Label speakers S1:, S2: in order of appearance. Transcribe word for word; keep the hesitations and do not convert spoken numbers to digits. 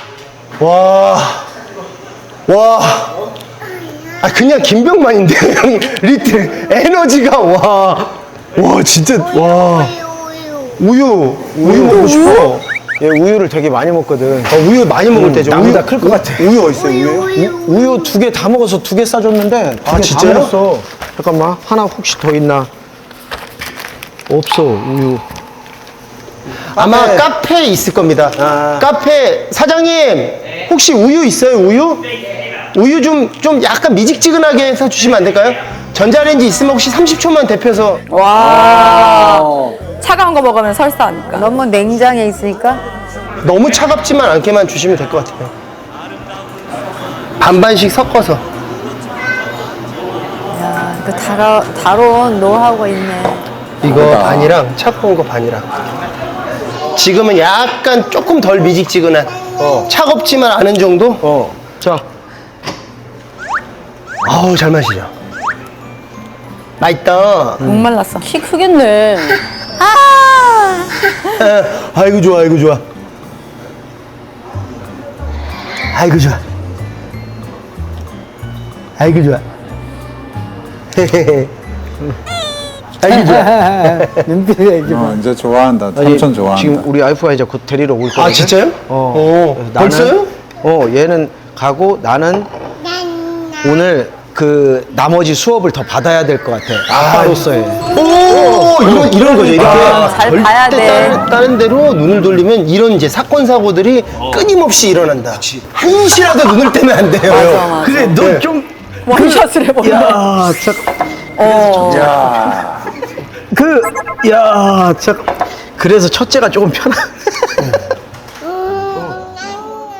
S1: 와, 와. 아, 그냥 김병만인데, 형님. 리틀, 에너지가, 와. 와, 진짜, 와. 우유, 우유 먹고 싶어.
S2: 얘 우유를 되게 많이 먹거든.
S1: 어, 우유 많이 먹을 때죠.
S2: 나보다
S1: 우유
S2: 클 것 같아.
S1: 우유 어딨어요, 우유?
S2: 우, 우유 두 개 다 먹어서 두 개 싸줬는데
S1: 아,
S2: 두 개 다
S1: 진짜요?
S2: 먹었어. 잠깐만, 하나 혹시 더 있나? 없어, 우유.
S1: 아마
S2: 카페.
S1: 카페에 있을 겁니다.
S2: 아.
S1: 카페 사장님 혹시 우유 있어요? 우유? 우유 좀 좀 약간 미직지근하게 해서 주시면 안 될까요? 전자레인지 있으면 혹시 삼십 초만 데펴서.
S3: 와. 차가운 거 먹으면 설사하니까.
S4: 너무 냉장에 있으니까.
S1: 너무 차갑지만 않게만 주시면 될 것 같아요. 반반씩 섞어서.
S4: 야, 그 다로, 다로운 노하우가 있네.
S1: 이거 반이랑 차가운 거 반이랑. 지금은 약간 조금 덜 미직지근한.
S2: 어.
S1: 차갑지만 않은 정도?
S2: 어. 자,
S1: 아우 잘 마시죠. 맛있다.
S3: 목말랐어. 키 크겠네.
S4: 아!
S1: 아이고 좋아, 아이고 좋아. 아이고 좋아. 아이고 좋아. 아이고 좋아.
S2: 눈빛에 이게
S5: 어, 이제 좋아한다. 삼촌 좋아한다.
S2: 지금 우리 와이프가 이제 곧 데리러 올 거거든.
S1: 아 진짜요?
S2: 어.
S1: 어.
S2: 그래서 나는-
S1: 벌써요?
S2: 어, 얘는 가고 나는 오늘 그 나머지 수업을 더 받아야 될 것 같아. 아빠로서의.
S1: 오, 이런 이런 거죠. 이렇게
S3: 아, 잘
S1: 절대
S3: 봐야 돼.
S1: 다른, 다른 데로 눈을 돌리면 이런 이제 사건 사고들이 끊임없이 일어난다. 한시라도 눈을 떼면 안 돼요.
S3: 맞아, 맞아.
S2: 그래,
S1: 네.
S2: 너 좀.
S3: 원샷을 해버려.
S2: 야, 참.
S3: 어.
S2: 야. 그, 야, 참. 그래서 첫째가 조금 편한.